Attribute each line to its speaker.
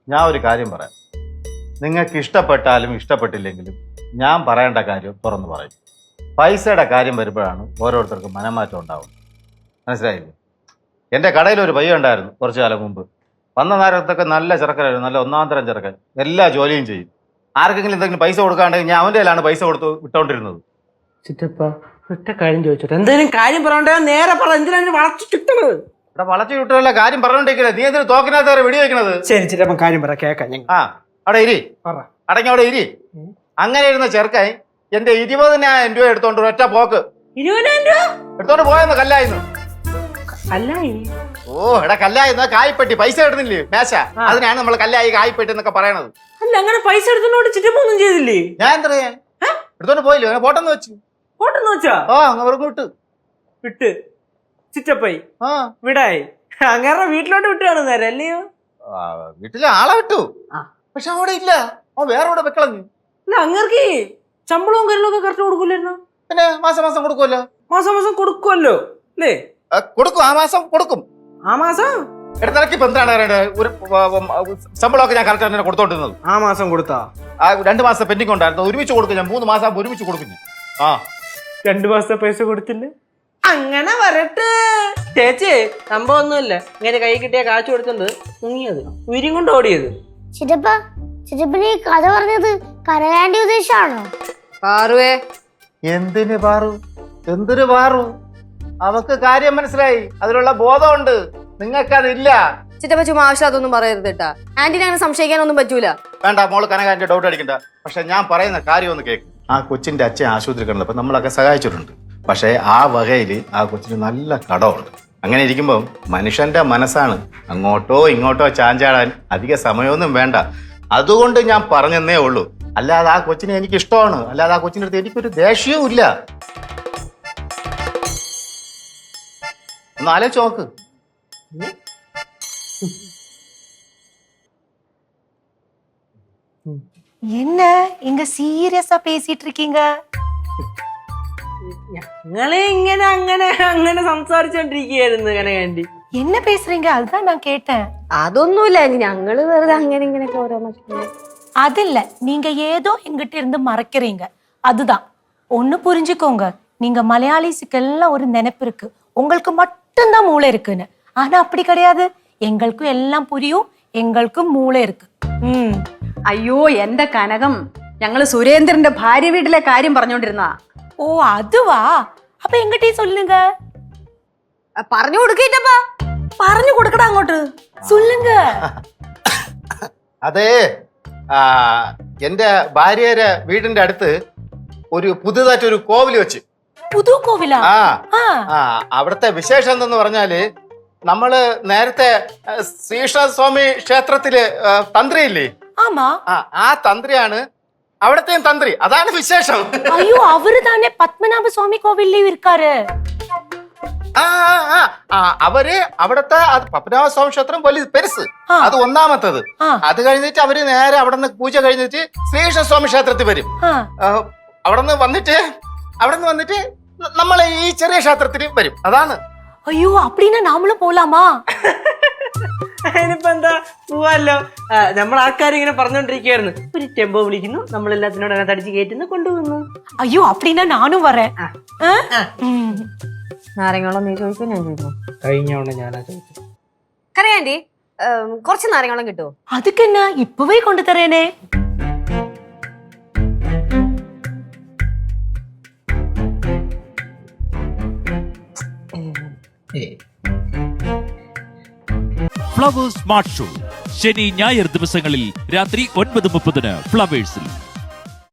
Speaker 1: ഞാൻ ഒരു കാര്യം പറയാം. നിങ്ങൾക്ക് ഇഷ്ടപ്പെട്ടാലും ഇഷ്ടപ്പെട്ടില്ലെങ്കിലും ഞാൻ പറയേണ്ട കാര്യം തുറന്നു പറയും. പൈസയുടെ കാര്യം വരുമ്പോഴാണ് ഓരോരുത്തർക്കും മനംമാറ്റം ഉണ്ടാവുന്നത്. മനസ്സിലായില്ലേ? എൻ്റെ കടയിലൊരു പയ്യ ഉണ്ടായിരുന്നു കുറച്ചു കാലം മുമ്പ്. വന്ന നേരത്തൊക്കെ നല്ല ചെറുക്കനായിരുന്നു, നല്ല ഒന്നാം തരം ചെറുക്കൻ. എല്ലാ ജോലിയും ചെയ്യും. ആർക്കെങ്കിലും എന്തെങ്കിലും പൈസ കൊടുക്കാണ്ടെങ്കിൽ ഞാൻ അവൻ്റെ കയ്യിലാണ് പൈസ കൊടുത്ത് വിട്ടോണ്ടിരുന്നത്.
Speaker 2: ചിറ്റപ്പ ഒറ്റ കാര്യം ചോദിച്ചോട്ടെ, എന്തെങ്കിലും കാര്യം പറയണ്ടേ? നേരെ പറ, എന്തിനാണ് വളച്ചു ചുറ്റണത്?
Speaker 1: ഇവിടെ വളച്ചു വിട്ടുള്ള കാര്യം പറഞ്ഞോണ്ടിരിക്കുന്നത്. നീ എന്തിനു തോക്കിനകത്ത് വരെ വെടി വെക്കണത്?
Speaker 2: ശരി ചിറ്റപ്പ, കാര്യം പറ, കേക്കാം ഞങ്ങൾ.
Speaker 1: ആ അവിടെ ഇരി,
Speaker 2: പറ.
Speaker 1: അടങ്ങി അവിടെ ഇരി. അങ്ങനെ ഇരുന്ന ചെറുക്കായി എന്റെ 20,000 രൂപ എടുത്തോണ്ട് ഒറ്റ പോക്ക്
Speaker 2: 20,000 രൂപ
Speaker 1: എടുത്തോണ്ട് പോയെന്ന്. കല്ലായിരുന്നു.
Speaker 2: കല്ലായി?
Speaker 1: ഓ എടാ, കല്ലായിരുന്നു. കായ്പെട്ടി പൈസ ഇടുന്നില്ലേ മേശ, അതിനാണ് നമ്മൾ കല്ലായി കായ്പെട്ടി എന്നൊക്കെ പറയണത്.
Speaker 2: അല്ല, അങ്ങനെ പൈസ എടുത്തോണ്ട് ചിറ്റപ്പ ഒന്നും ചെയ്തില്ലേ?
Speaker 1: ഞാൻ എന്താ പറയാ, എടുത്തോണ്ട് പോയില്ലോ, അങ്ങനെ പോട്ടെന്ന് വെച്ചു.
Speaker 2: ഓട്ടെന്ന് വെച്ചാ?
Speaker 1: ആ അവർക്ക് വിട്ട്
Speaker 2: വിട്ട് ചിറ്റപ്പായി
Speaker 1: ആ
Speaker 2: വിടായി. അങ്ങനെ വീട്ടിലോട്ട് വിട്ടാണ് നേരെ അല്ലയോ?
Speaker 1: വീട്ടിലെ ആളെ വിട്ടു. പക്ഷെ അവിടെ ഇല്ല, വേറെ അവിടെ വെക്കളഞ്ഞു.
Speaker 2: അല്ല, അങ്ങർക്ക് ശമ്പളവും കാര്യങ്ങളും ഒക്കെ കറക്റ്റ് കൊടുക്കൂലായിരുന്നു?
Speaker 1: പിന്നെ മാസം മാസം കൊടുക്കുമല്ലോ.
Speaker 2: മാസം മാസം കൊടുക്കുമല്ലോ അല്ലേ?
Speaker 1: കൊടുക്കും, ആ മാസം കൊടുക്കും.
Speaker 2: ആ മാസം
Speaker 1: ഇടത്തിറക്കി ഇപ്പൊ എന്താണ് ഒരു ശമ്പളമൊക്കെ ഞാൻ കറക്റ്റ് തന്നെ കൊടുത്തോണ്ടിരുന്നത്.
Speaker 2: ആ മാസം കൊടുത്താ?
Speaker 1: 2 മാസം പെൻഡിങ് ഉണ്ടായിരുന്നു, ഒരുമിച്ച് കൊടുക്കും ഞാൻ. 3 മാസം ഒരുമിച്ച് കൊടുക്കും ഞാൻ. ആ
Speaker 2: 2 മാസത്തെ പൈസ കൊടുത്തില്ലേ? അങ്ങനെ വരട്ടെ ചേച്ചി, സംഭവം ഒന്നുമില്ല. ഇങ്ങനെ കൈ കിട്ടിയ കാശ് കൊടുത്തത് മുങ്ങിയത്, ഉയരും കൊണ്ട് ഓടിയത്.
Speaker 3: ചിറ്റപ്പന് ഈ കഥ പറഞ്ഞത് കരയാണ്ടി ഉദ്ദേശാണോ?
Speaker 4: പാറുവേ,
Speaker 1: എന്തിന് പാറു, എന്തൊരു പാറു? അവക്ക് കാര്യം മനസ്സിലായി, അതിലുള്ള ബോധമുണ്ട്. നിങ്ങൾക്കതില്ല.
Speaker 4: ചിറ്റപ്പ ചുമ്മാ ആവശ്യം അതൊന്നും പറയരുത് കേട്ടാ. ആന്റിനെ അങ്ങനെ സംശയിക്കാനൊന്നും പറ്റൂല.
Speaker 1: വേണ്ട മോള് കനകാന്റെ ഡൗട്ട് അടിക്കണ്ട. പക്ഷെ ഞാൻ പറയുന്ന കാര്യം ഒന്ന് കേൾക്കും. ആ കൊച്ചിന്റെ അച്ഛൻ ആശുപത്രി കിടന്നപ്പോ നമ്മളൊക്കെ സഹായിച്ചിട്ടുണ്ട്. പക്ഷെ ആ വകയിൽ ആ കൊച്ചിന് നല്ല കടമുണ്ട്. അങ്ങനെ ഇരിക്കുമ്പോൾ മനുഷ്യന്റെ മനസ്സാണ്, അങ്ങോട്ടോ ഇങ്ങോട്ടോ ചാഞ്ചാടാൻ അധിക സമയമൊന്നും വേണ്ട. അതുകൊണ്ട് ഞാൻ പറഞ്ഞെന്നേ ഉള്ളൂ. അല്ലാതെ ആ കൊച്ചിനെ എനിക്ക് ഇഷ്ടമാണ്, അല്ലാതെ ആ കൊച്ചിൻ്റെ അടുത്ത് എനിക്കൊരു ദേഷ്യവും ഇല്ല. ഒന്ന് ആലോചിച്ച് നോക്ക്.
Speaker 5: என்ன இங்க சீரியஸா பேசிட்டு இருக்கீங்க?
Speaker 2: ഞങ്ങളെ ഇങ്ങനെ അങ്ങനെ അങ്ങനെ സംസാരിച്ചോണ്ടിരിക്കുകയായിരുന്നു കനകാന്റി.
Speaker 5: என்ன பேசுறீங்க? அதுதான் நான் கேட்டேன்.
Speaker 4: അതൊന്നുമില്ല, ഞങ്ങള് വെറുതെ അങ്ങനെ ഇങ്ങനെയൊക്കെ ഓരോ
Speaker 5: அது இல்ல, நீங்க ஏதோ எங்கிட்ட இருந்து மறைக்கிறீங்க. அதுதான். ஒண்ணு புரிஞ்சுக்கோங்க, நீங்க மலையாளிஸுக்கெல்லாம் ஒரு நினைப்பு இருக்கு, உங்களுக்கு மட்டும்தான் மூளை இருக்குன்னு. ஆனா அப்படி கிடையாது. எங்களுக்கும் எல்லாம் புரியும், எங்களுக்கும் மூளை இருக்கு.
Speaker 6: അയ്യോ എന്റെ കനകം, ഞങ്ങള് സുരേന്ദ്രന്റെ ഭാര്യ വീട്ടിലെ കാര്യം പറഞ്ഞോണ്ടിരുന്നാ.
Speaker 5: ஓ அதுவா? அப்ப எங்கிட்டயும் சொல்லுங்க.
Speaker 4: പറഞ്ഞു കൊടുക്കിട്ടപ്പാ.
Speaker 5: പറഞ്ഞു കൊടുക്കടാ അങ്ങോട്ട്. சொல்லுங்க.
Speaker 1: അതെ, എന്റെ ഭാര്യയുടെ വീടിന്റെ അടുത്ത് ഒരു പുതുതായിട്ടൊരു കോവില് വെച്ച്.
Speaker 5: പുതു കോവിലാ?
Speaker 1: അവിടുത്തെ വിശേഷം എന്തെന്ന് പറഞ്ഞാല്, നമ്മള് നേരത്തെ ശ്രീകൃഷ്ണസ്വാമി ക്ഷേത്രത്തില് തന്ത്രിയില്ലേ?
Speaker 5: ആമാ.
Speaker 1: ആ തന്ത്രിയാണ് അവിടത്തെയും തന്ത്രി. അതാണ് വിശേഷം.
Speaker 5: അയ്യോ, അവര് തന്നെ പത്മനാഭ സ്വാമി കോവിലും ഇരിക്കാറ്.
Speaker 1: അവര് അവിടത്തെ പത്മനാഭസ്വാമി ക്ഷേത്രം വലിയ പെരുസ്, അത് ഒന്നാമത്തത്. അത് കഴിഞ്ഞിട്ട് അവര് നേരെ അവിടെ നിന്ന് പൂജ കഴിഞ്ഞിട്ട് ശ്രീകൃഷ്ണസ്വാമി ക്ഷേത്രത്തിൽ വരും. അവിടെ നിന്ന് വന്നിട്ട് നമ്മളെ ഈ ചെറിയ ക്ഷേത്രത്തിൽ വരും. അതാണ്.
Speaker 5: അയ്യോ, അപ്പടിനാ നാമളും പോലാമാ?
Speaker 2: അതിനിപ്പോ എന്താ, പോവാല്ലോ. നമ്മൾ ആൾക്കാരിങ്ങനെ പറഞ്ഞോണ്ടിരിക്കുകയായിരുന്നു. ഒരു ടെമ്പോ വിളിക്കുന്നു, നമ്മളെല്ലാത്തിനോട് അതിനകത്ത് അടിച്ച് കയറ്റുന്നു, കൊണ്ടുപോകുന്നു.
Speaker 5: അയ്യോ, അപ്പടിനാ നാനും വരേൻ.
Speaker 4: നാരങ്ങളും നീ ചോദിക്കും, ഞാൻ ചോദിക്കും.
Speaker 2: കഴിഞ്ഞോണ്ട് ഞാനാ ചോദിച്ചത്.
Speaker 4: കരയാന്റി, കുറച്ച് നാരങ്ങളും കിട്ടുമോ?
Speaker 5: അതുക്കെന്നാ, ഇപ്പവേ കൊണ്ടുതരേനെ.
Speaker 7: ഫ്ലവേഴ്സ് സ്മാർട്ട് ഷോ ശനി ഞായർ ദിവസങ്ങളിൽ രാത്രി 9:30 ഫ്ലവേഴ്സിൽ.